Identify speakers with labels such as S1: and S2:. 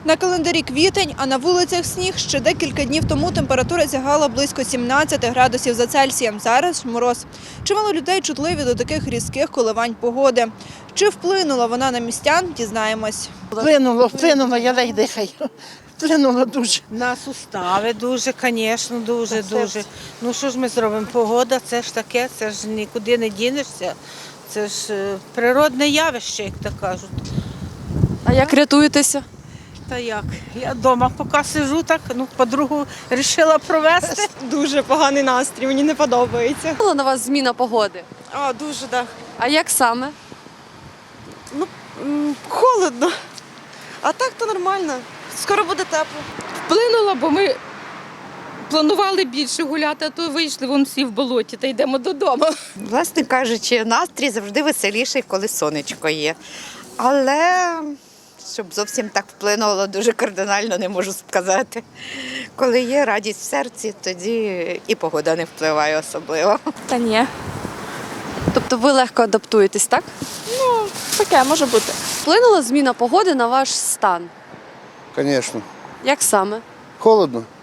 S1: На календарі квітень, а на вулицях сніг. Ще декілька днів тому температура сягала близько 17 градусів за Цельсієм. Зараз мороз. Чимало людей чутливі до таких різких коливань погоди. Чи вплинула вона на містян, дізнаємось.
S2: Вплинуло, я ледь дихаю. Вплинуло дуже.
S3: На сустави дуже, звісно, дуже. Ну що ж ми зробимо? Погода, це ж таке, це ж нікуди не дінешся. Це ж природне явище, як то кажуть.
S4: А як рятуєтеся?
S3: Та як? Я вдома поки сижу, так, подругу вирішила провести.
S1: Дуже поганий настрій, мені не подобається.
S4: Була на вас зміна погоди?
S1: Дуже, так.
S4: А як саме?
S1: Холодно. А так то нормально. Скоро буде тепло.
S5: Вплинула, бо ми планували більше гуляти, а то вийшли вон всі в болоті та йдемо додому.
S6: Власне кажучи, настрій завжди веселіший, коли сонечко є. Але щоб зовсім так вплинуло, дуже кардинально не можу сказати. Коли є радість в серці, тоді і погода не впливає особливо.
S7: Та ні,
S4: Тобто ви легко адаптуєтесь, так?
S7: таке може бути.
S4: Вплинула зміна погоди на ваш стан?
S8: Звісно.
S4: Як саме?
S8: Холодно.